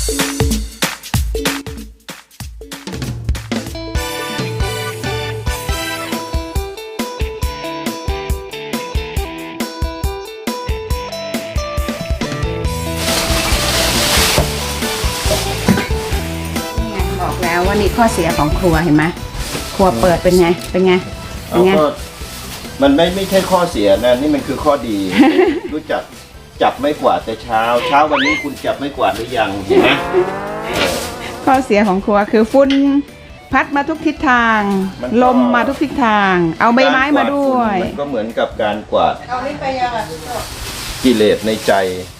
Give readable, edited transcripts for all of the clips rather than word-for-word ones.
ว่านี่ข้อเสียของครัวเห็นไหมครัวเปิดเป็นไงเป็นไงเป็นไงมันไม่ใช่ข้อเสียนะนี่มันคือข้อดี รู้จักจับไม่กวาดแต่เช้าวันนี้คุณจับไม่กวาดหรือยังเห็นไหมข้อเสียของครัวคือฝุ่นพัดมาทุกทิศทางลมมาทุกทิศทางเอาใบไม้มาด้วยมันก็เหมือนกับการกวาดเอาลิ้นไปยังอ่ะกิเลสในใจ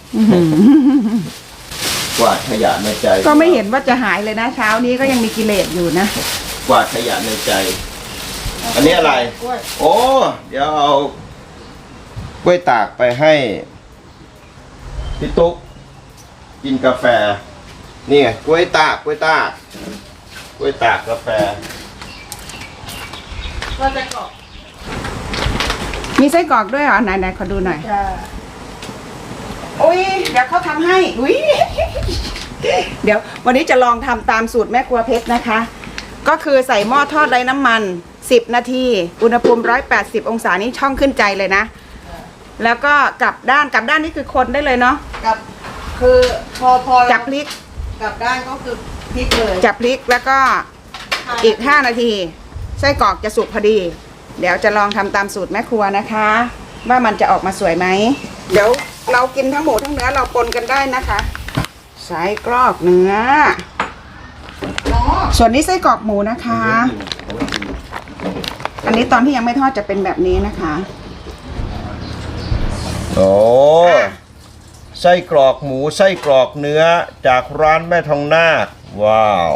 กวาดขยะในใจก็ไม่เห็นว่าจะหายเลยนะเช้านี้ก็ยังมีกิเลสอยู่นะกวาดขยะในใจอันนี้อะไรโอ้เดี๋ยวเอากล้วยตากไปให้พี่ตุ๊กกินกาแฟนี่ไงกล้วยตากกาแฟมีไส้กรอกด้วยเหรอไหนขอดูหน่อยอุ้ยเดี๋ยวเขาทำให้อุ้ยเดี๋ยววันนี้จะลองทำตามสูตรแม่ครัวเพชรนะคะก็คือใส่หม้อทอดไร้น้ำมัน10 นาทีอุณหภูมิ180 องศานี้ช่องขึ้นใจเลยนะแล้วก็กลับด้านนี่คือคนได้เลยเนาะกับคือพอจับพลิกกลับด้านก็คือพลิกเลยจับพลิกแล้วก็อีก5 นาทีไส้กรอกจะสุกพอดีเดี๋ยวจะลองทำตามสูตรแม่ครัวนะคะว่ามันจะออกมาสวยไหมเดี๋ยวเรากินทั้งหมูทั้งเนื้อเราปนกันได้นะคะไส้กรอกเนื้อส่วนนี้ไส้กรอกหมูนะคะอันนี้ตอนที่ยังไม่ทอดจะเป็นแบบนี้นะคะโอ้ไส้กรอกหมูไส้กรอกเนื้อจากร้านแม่ทองนาคว้าว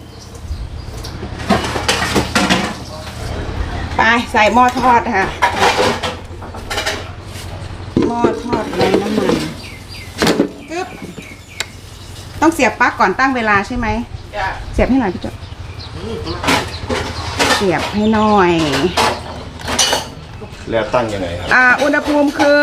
ไปใส่หม้อทอดค่ะหม้อทอดไร้น้ำมันกึ๊บต้องเสียบปลั๊กก่อนตั้งเวลาใช่ไหมเสียบให้หน่อยพี่จ๊ะเสียบให้หน่อยแล้วตั้งยังไงครับอุณหภูมิคือ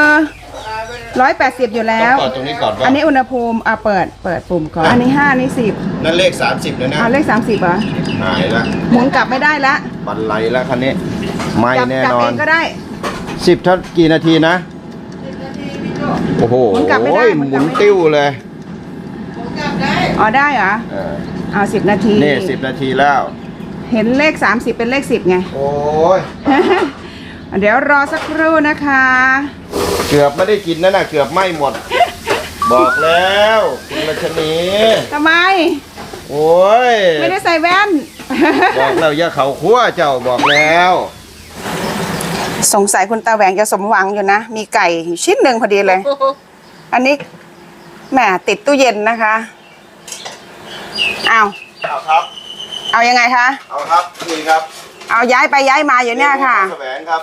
180อยู่แล้วต้องเปิดตรงนี้ก่อนอันนี้อุณหภูมิเปิดปุ่มก่อนอันนี้5อันนี้10 นั่นเลข30เลยนะเลข30เหรอหายละหมุนกลับไม่ได้ละบันไลแล้วคันนี้ไม่แน่นอนจับเองก็ได้ 10เท่ากี่นาทีนะ 10 นาทีพี่โจ้โอ้โหหมุนกลับไม่ได้หมุนติ้วเลยหมุนกลับได้ได้เหรอเอา10 นาทีนี่10 นาทีแล้วเห็นเลข30เป็นเลข10ไงโอ้ยเดี๋ยวรอสักครู่นะคะเกือบไม่ได้กินนั่นน่ะเกือบไหม้หมดบอกแล้วคุณรัชนีทำไมโอ้ยไม่ได้ใส่แว่นบอกแล้วอย่าเข่าคั่วเจ้าบอกแล้วสงสัยคุณตาแหวงจะสมหวังอยู่นะมีไก่ชิ้นหนึ่งพอดีเลยอันนี้แหมติดตู้เย็นนะคะเอาครับเอายังไงคะเอาครับนี่ครับเอาย้ายไปย้ายมาอยู่เนี่ยค่ะแสวงครับ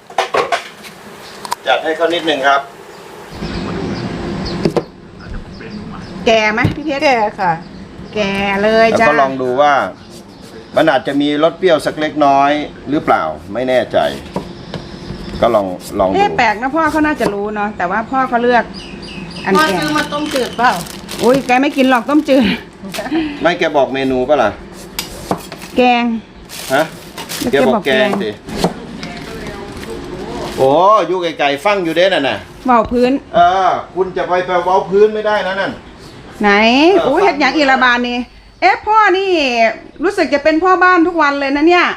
จัดให้เขานิดหนึ่งครับแก่ไหมพี่เพชรแก่ค่ะแก่เลยจ้าแล้วก็ลองดูว่ามันอาจจะมีรสเปรี้ยวสักเล็กน้อยหรือเปล่าไม่แน่ใจก็ลองดูแปลกนะพ่อเขาน่าจะรู้เนาะแต่ว่าพ่อเขาเลือกอันแก่ซื้อมาต้มจืดเปล่าอุ้ยแกไม่กินหรอกต้มจืดไม่แกบอกเมนูป่ะล่ะแกงฮะแกบอกแกงสิโอ้ยู่ไกลๆฟังอยู่เด้น่ะนะเบาพื้นคุณจะไปเบาพื้นไม่ได้นะนั่นไหนอู้เฮ็ดอย่างอีระบานนี่พ่อนี่รู้สึกจะเป็นพ่อบ้านทุกวันเลยนะเนี่ย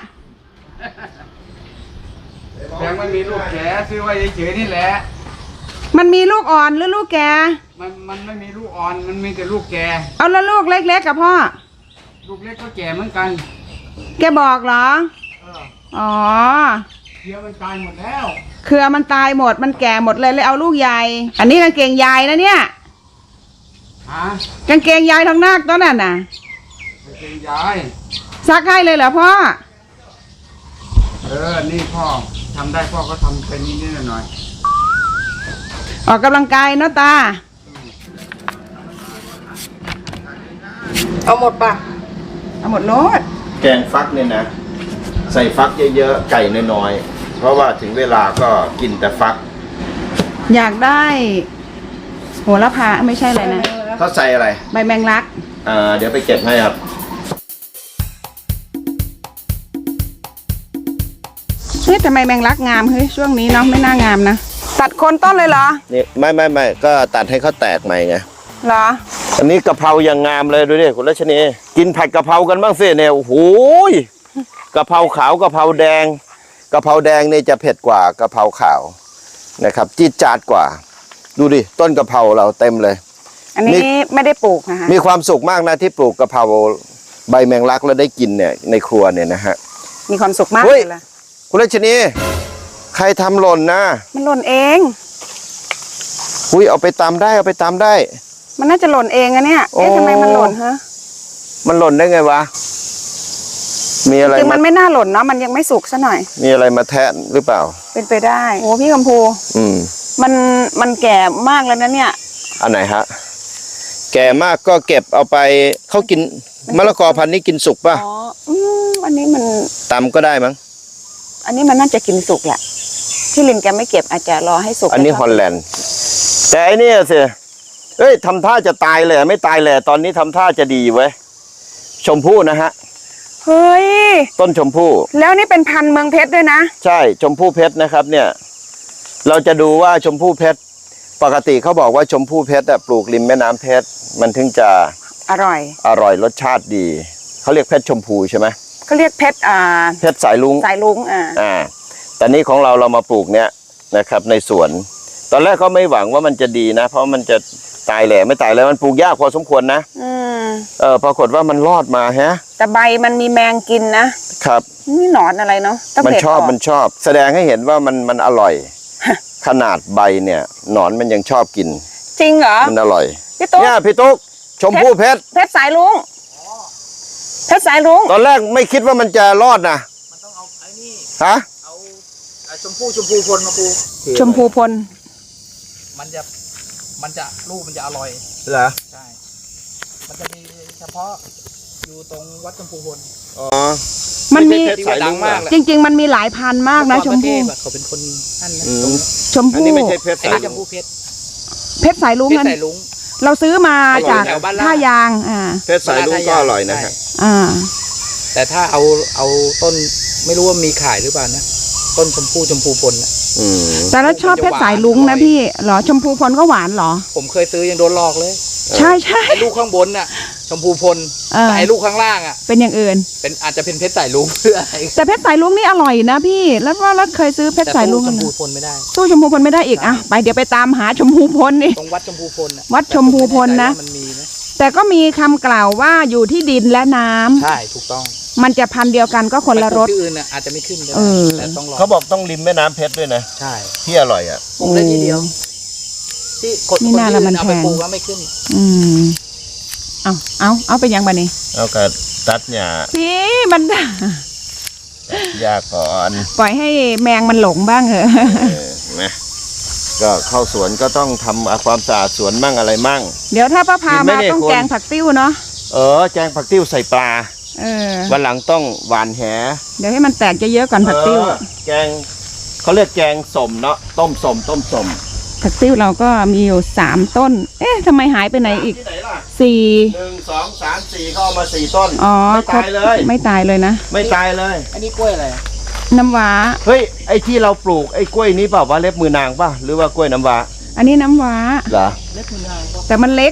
ยังไม่มีลูกแกซื้อไว้เฉยๆนี่แหละมันมีลูกอ่อนหรือลูกแกมันไม่มีลูกอ่อนมันมีแต่ลูกแกเอาแล้วลูกเล็กๆกับพ่อลูกเล็กก็แก่เหมือนกันแกบอกเหรออ๋อเครือมันตายหมดแล้วเครือมันตายหมดมันแก่หมดเลยเอาลูกใหญ่อันนี้กางเกงยายนะเนี่ยกางเกงยายทองนาคตัวนั้นน่ะกางเกงยายซักให้เลยเหรอพ่อนี่พ่อทำได้พ่อก็ทำเป็นนิดๆหน่อยออกกำลังกายเนาะตาเอาหมดป่ะเอาหมดโลดแกงฟักเนี่ยนะใส่ฟักเยอะๆไก่น้อยๆเพราะว่าถึงเวลาก็กินแต่ฟักอยากได้โหระพาไม่ใช่เลยนะเขาใส่อะไรใบแมงลักเดี๋ยวไปเก็บให้ครับเฮ้ยทำไมแมงลักงามเฮ้ยช่วงนี้เนาะไม่น่างามนะตัดโคนต้นเลยเหรอนี่ไม่ก็ตัดให้เขาแตกใหม่ไงเหรออันนี้กะเพรายังงามเลยดูดิคุณรัชนีกินผัดกะเพรากันบ้างสิเนี่ยโอ้โหกะเพราขาวกะเพราแดงกะเพราแดงนี่จะเผ็ดกว่ากะเพราขาวนะครับจี๊ดจ๊าดกว่า ดูดิต้นกะเพราเราเต็มเลยอันนี้ไม่ได้ปลูกนะคะมีความสุขมากนะที่ปลูกกะเพราใบแมงลักแล้วได้กินเนี่ยในครัวเนี่ยนะฮะมีความสุขมากเฮ้เลย ยล่ะคุณรัชนีใครทำหล่นนะมันหล่นเองอุ้ยเอาไปตำได้เอาไปตำได้มันน่าจะหล่นเองอะเนี่ยเอ๊ะโอ้ทำไมมันหล่นฮะมันหล่นได้ไงวะมีอะไรคือมามันไม่น่าหล่นเนาะมันยังไม่สุกซะหน่อยมีอะไรมาแทะหรือเปล่าเป็นไปได้โอ้พี่กัมพูอืมมันแก่มากแล้วนะเนี่ยอันไหนฮะแก่มากก็เก็บเอาไปเขากินมะละกอพันธุ์นี้กินสุกป่ะอ๋ออันนี้มันตำก็ได้มั้งอันนี้มันน่าจะกินสุกแหละที่ลินแกไม่เก็บอาจจะรอให้สุกอันนี้แล้วฮก็อลแลนด์แต่อันนี้สิเอ้ยทำท่าจะตายเลยไม่ตายเลยตอนนี้ทำท่าจะดีเว้ยชมพู่นะฮะเฮ้ยต้นชมพู่แล้วนี่เป็นพันธุ์เมืองเพชรด้วยนะใช่ชมพู่เพชรนะครับเนี่ยเราจะดูว่าชมพู่เพชรปกติเขาบอกว่าชมพู่เพชรปลูกริมแม่น้ำเพชรมันถึงจะอร่อยอร่อยรสชาติดีเขาเรียกเพชรชมพูใช่ไหมเขาเรียกเพชรเพชรสายลุงสายลุงแต่นี้ของเรามาปลูกเนี่ยนะครับในสวน ตอนแรกก็ไม่หวังว่ามันจะดีนะ เพราะมันจะตายแหล่ไม่ตายแล้วมันปลูกยากพอสมควรนะปรากฏว่ามันรอดมาฮะแต่ใบมันมีแมงกินนะครับนี่หนอนอะไรเนาะต้องมันเด็ดชอบออกมันชอบ แสดงให้เห็นว่ามันอร่อย ขนาดใบเนี่ยหนอนมันยังชอบกินจริงเหรอมันอร่อยพี่ตุ๊กเนี่ยพี่ตุ๊กชมพู่เพชรเพชรสายลุงเพชรสายลุงตอนแรกไม่คิดว่ามันจะรอดนะมันต้องเอาไอ้นี่ฮะเอาชมพูพลมาปลูกชมพูพลมันจะลูกมันจะอร่อยเหรอใช่ มันจะมีเฉพาะอยู่ตรงวัดชมพูพลอ๋อมันมีเพชรสายลุงที่ว่าดังมากเหรอจริง ๆ มันมีหลายพันธุ์มากนะชมพู่เขาเป็นคนนั่นนะอืมชมอันพู่นี้ไม่ใช่เพชรไอ้สายนี่ชลุมงพูเพชรเพชรสายลุงเพชนั้รนสายลุงเราซื้อมาจากแถวบ้านลาดท่ายางเพชรสายลุงก็อร่อยนะฮะแต่ถ้าเอาต้นไม่รู้ว่ามีขายหรือเปล่านะต้นชมพูพลนะอืมแต่เราชอบเพชรสายลุงนะพี่เหรอชมพูพลก็หวานเหรอผมเคยซื้อยังโดนหลอกเลยใช่ใช่ไอ้ลูกข้างบนน่ะ ชมพูพล แต่ไอ้ลูกข้างล่างอ่ะเป็นอย่างอื่นเป็นอาจจะเป็นเพชรสายลุงเพื่ออะไรแต่เพชรสายลุงนี่อร่อยนะพี่แล้วเราเคยซื้อเพชรแต่สายลุตู้งชกันมนะพูพลไม่ได้ตู้ชมพูพลไม่ได้อีกอ่ะไปเดี๋ยวไปตามหาชมพูพลนี่ตรงวัดชมพูพลน่ะวัดชมพูพลนะแต่ผมไม่แใจว่ามันมีไหมแต่ก็มีคำกล่าวว่าอยู่ที่ดินและน้ำใช่ถูกต้องมันจะพันธุ์เดียวกันก็คนละรสไปปลูกที่อื่นน่ะอาจจะไม่ขึ้นก็เอได้อแต่ต้องรอเขาบอกต้องริมแม่น้ำเพชรด้วยนะใช่ที่อร่อยอ่ะปลูกได้ทีเดียว ที่คนไม่น่าที่ละอื่มันนเอาแพไปงปลูกแล้วไม่ขึ้นอืมเอาไปยังบะนี่เอากระตัดหญ้าพี่มันหญ้าก่อนปล่อยให้แมงมันหลงบ้างเหอะนะก็เข้าสวนก็ต้องทำความสะอาดสวนมั่งอะไรมั่งเดี๋ยวถ้าป้าพากินไหมมาเนี่ยต้องคุณแกงผักติ้วเนาะแกงผักติ้วใส่ปลา วันหลังต้องหวานแหเดี๋ยวให้มันแตกเยอะๆก่อนผักติ้วแกงเขาเรียกแกงสมเนาะต้มสมผักติ้วเราก็มีอยู่3 ต้น เอ๊ะทำไมหายไปไหนอีกที่ไหนล่ะ 4 1 2 3 4เขาเอามา4 ต้นอ๋อไม่ตายเลยไม่ตายเลยนะไม่ตายเลยอันนี้กล้วยอะไรอะน้ำว้าเฮ้ยไอ้ที่เราปลูกไอ้กล้วยนี้เปล่าว่าเล็บมือนางป่ะหรือว่ากล้วยน้ำว้าอันนี้น้ำว้าเหรอเล็กมือนางก็แต่มันเล็ก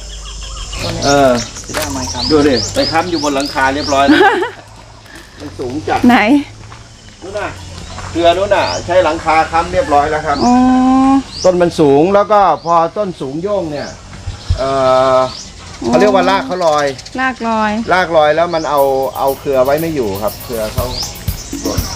จะได้เอาไม้คำดูดิไปค้ำอยู่บนหลังคาเรียบร้อยแล้ว มันสูงจัดไหนนู่นน่ะเครือนู่นน่ะใช้หลังคาค้ำเรียบร้อยแล้วครับอ๋อต้นมันสูงแล้วก็พอต้นสูงโย่งเนี่ยเขาเรียกว่ารากเขาลอยลากลอยรากลอยแล้วมันเอาเครือไว้ไม่อยู่ครับ เครือเขาหล่น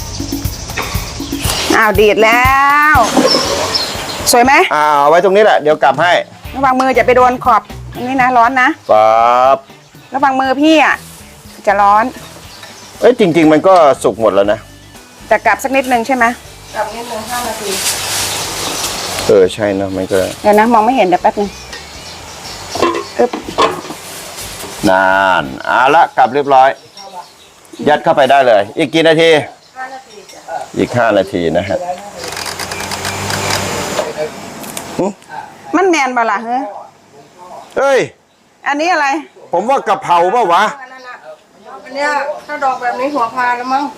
อ้าวดีดแล้ว สวยไหมเอาไว้ตรงนี้แหละเดี๋ยวกลับให้ระวังมือจะไปโดนขอบตรงนี้นะร้อนนะครับระวังมือพี่อ่ะจะร้อนเอ้ยจริง ๆ มันก็สุกหมดแล้วนะแต่กลับสักนิดนึงใช่ไหมกลับนิดนึง5 นาทีใช่นะมันก็เดี๋ยวนะมองไม่เห็นเดี๋ยวแป๊บนึงอึ๊บนานเอาละกลับเรียบร้อย ยัดเข้าไปได้เลย อีกกี่นาที 5 นาทีจ้ะอีก5 นาทีนะฮะมันแมนบ่ล่ะเฮ้ยเฮ้ยอันนี้อะไรผมว่ากะเพราเปล่าวะอันเนี้ยถ้าดอกแบบนี้หัวพาแล้วมั้ง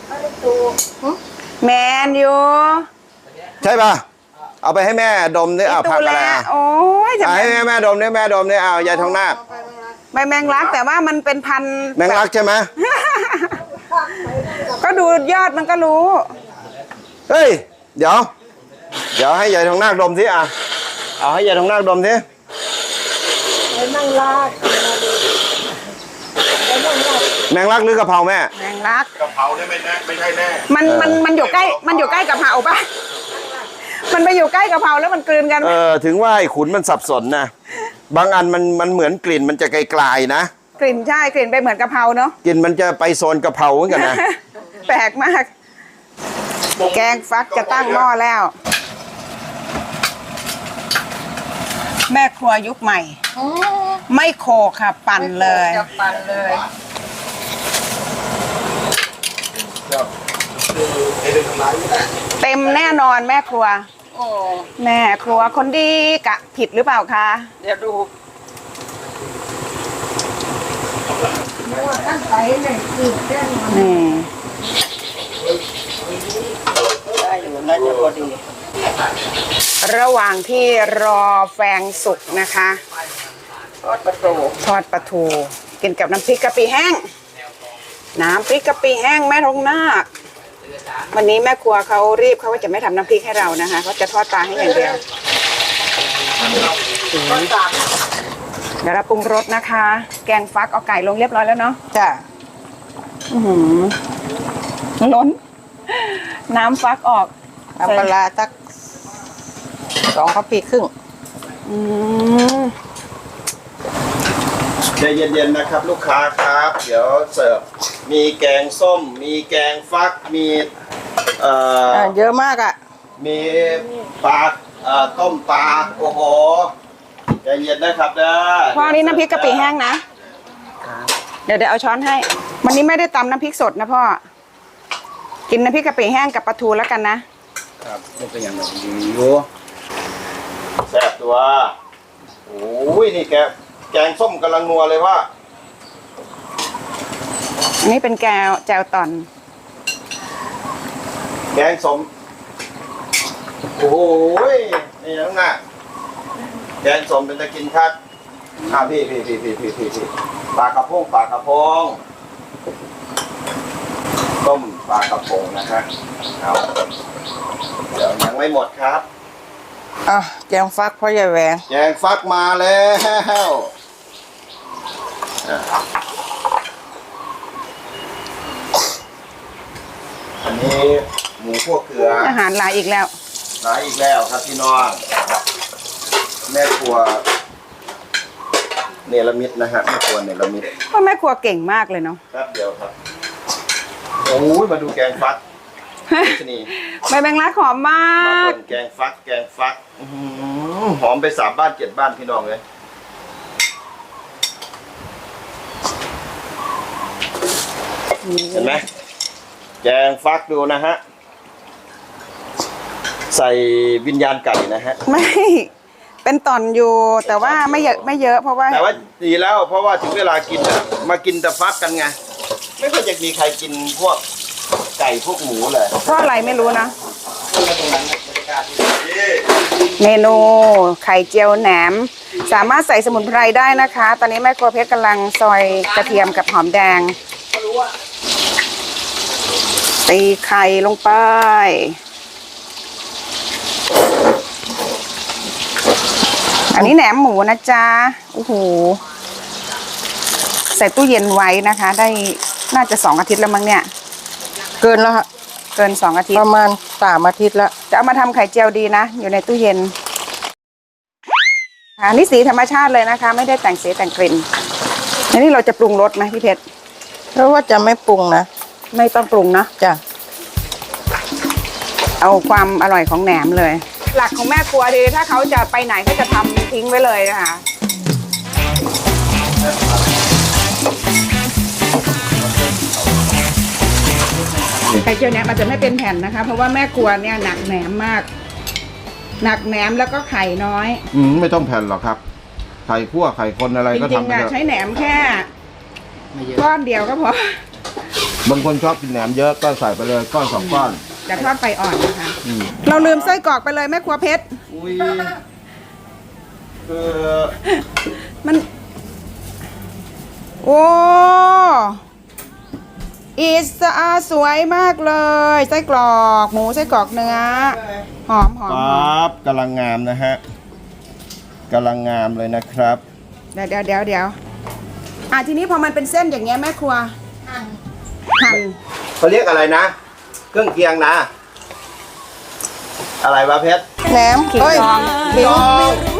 แมนอยู่ใช่ป่ะ เอาไปให้แม่ดมดิเอาตูผักอะไรแล้วอ่ะโอ้ยจะเอาให้แม่ดมดิแม่ดมดิเอายายทองนาคใบแมงลักแต่ว่ามันเป็นพันธุ์แมงลักใช่ไหมก็ดูยอดมันก็รู้เฮ้ย เดี๋ยวให้ยายทองนาคดมสิอ่ะเอาให้ยายทองนาคดมสิแมงลักหรือกะเพราแม่แมงลักกะเพราเนี่ยไม่ใช่แน่มันอยู่ใกล้มันอยู่ใกล้กะเพราปะมันไปอยู่ใกล้กะเพราแล้วมันกลืนกันถึงว่าไอ้ขุนมันสับสนนะบางอันมันเหมือนกลิ่นมันจะไกลๆนะกลิ่นใช่กลิ่นไปเหมือนกะเพราเนาะกลิ่นมันจะไปโซนกะเพราเหมือนกันนะแปลกมาก แกงฟักจะตั้งหม้อแล้ว แม่ครัวยุคใหม่ ไม่โขกค่ะ ปั่นเลยจะปั่นเลยเต็มแน่นอนแม่ครัวโอ้แม่ครัวคนดีกะผิดหรือเปล่าคะเดี๋ยวดูว่าท่านไปเนี่ยคือแจ้งมานี่ได้อยู่น่าจะพอดีระหว่างที่รอแฟงสุกนะคะทอดประตูทอดปลาทูกินกับน้ำพริกกะปิแห้ง น้ำพริกกะปิแห้งแม่ทองนาควันนี้แม่ครัวเขารีบเขาว่าจะไม่ทำน้ำพริกให้เรานะคะเขาจะทอดปลาให้อย่างเดียวทอดสามเดี๋ยวเราปรุงรสนะคะ แกงฟักเอาไก่ลงเรียบร้อยแล้วเนาะจ้ะอื้อหือล้น น้ำฟักออกน้ำปลาร้าสัก2 คัพพีครึ่งอืมใจเย็นๆนะครับลูกค้าครับ เดี๋ยวเสิร์ฟมีแกงส้ม มีแกงฟักมีเยอะมากอ่ะมีปลาต้มปลาโอ้โหใจเย็นนะครับเด้อพ่อนี่น้ำพริกกะปิแห้งนะ เดี๋ยวเอาช้อนให้ วันนี้ไม่ได้ตำน้ำพริกสดนะพ่อ กินน้ำพริกกะปิแห้งกับปลาทูแล้วกันนะครับนี่เป็นอย่างไรอยู่แซ่บตัวโอ้ยนี่แกงส้มกำลังนัวเลยว่าอันนี้เป็นแจวตอนแกงส้มโอ้ยนี่น้องน่ะแกงส้มเป็นตะกินคักพี่ปลากระพงต้มปลากระพงนะครับเอาเดี๋ยวยังไม่หมดครับอ่ะแกงฟักพ่อใหญ่แหวงแกงฟักมาแล้วอันนี้หมูคั่วเกลืออาหารหลายอีกแล้วหลายอีกแล้วครับพี่น้องแม่ครัวเนรมิตนะฮะแม่ครัวเนรมิตพ่อแม่ครัวเก่งมากเลยเนาะครับเดี๋ยวครับโอ้ยมาดูแกงฟักนี่ใบแมงลักหอมมามาก เป็นแกงฟักอื้อหือหอมไป3 บ้าน 7 บ้านพี่น้องเลยเห็นไหมแกงฟักดูนะฮะใส่วิญญาณไก่นะฮะไม่ เป็นตอนอยู่แต่ว่าไม่เยอะเพราะว่าแต่ว่าดีแล้วเพราะว่าถึงเวลากินอะมากินแต่ฟักกันไงไม่ค่อยจะมีใครกินพวกไก่พวกหมูเลยเพราะอะไรไม่รู้นะ เมนูไข่เจียวแหนม สามารถใส่สมุนไพรได้นะคะ ตอนนี้แม่ครัวเพชรกำลังซอยกระเทียมกับหอมแดงตีไข่ลงไป อันนี้แหนมหมูนะจ๊ะโอ้โหใส่ตู้เย็นไว้นะคะ ได้น่าจะ2 อาทิตย์แล้วมั้งเนี่ยเกินแล้วค่ะเกิน2 อาทิตปย์ระมาณ3 อาทิตย์แล้วจะเอามาทำไข่เจียวดีนะ อยู่ในตู้เย็นอันนี้สีธรรมชาติเลยนะคะ ไม่ได้แต่งสีแต่งกลิ่นอันนี้เราจะปรุงรสไหมพี่เพชรเพราะว่าจะไม่ปรุงนะไม่ต้องปรุงเนอะจ้ะเอาความอร่อยของแหนมเลย หลักของแม่ครัวดีถ้าเขาจะไปไหนเขาจะทำทิ้งไว้เลยนะคะไข่เจียวเนี่ยมันจะไม่เป็นแผ่นนะคะ เพราะว่าแม่ครัวเนี่ยหนักแหนมมาก หนักแหนมแล้วก็ไข่น้อยไม่ต้องแผ่นหรอกครับไข่คั่วไข่คนอะไรจก็ริงทำๆไปอ่ะเถอะใช้แหนมแค่ไม่เยอะก้อนเดียวก็พอบางคนชอบกินแหนมเยอะก็ใส่ไปเลยก้อนสองก้อนจะทอดไฟอ่อนนะคะอืมเราลืมไส้กรอกไปเลยแม่ครัวเพชรอุ้ยคือมัน โอ้อีสสวยมากเลยไส้กรอกหมูไส้กรอกเนื้อหอมหอมปหอ๊ามบกำลังงามนะฮะกำลังงามเลยนะครับเดี๋ยวทีนี้พอมันเป็นเส้นอย่างเงี้ยแม่ครัวหั่นเขาเรียกอะไรนะ เครื่องเคียงนะ อะไรวะเพชรแหนมเฮ้ยดอง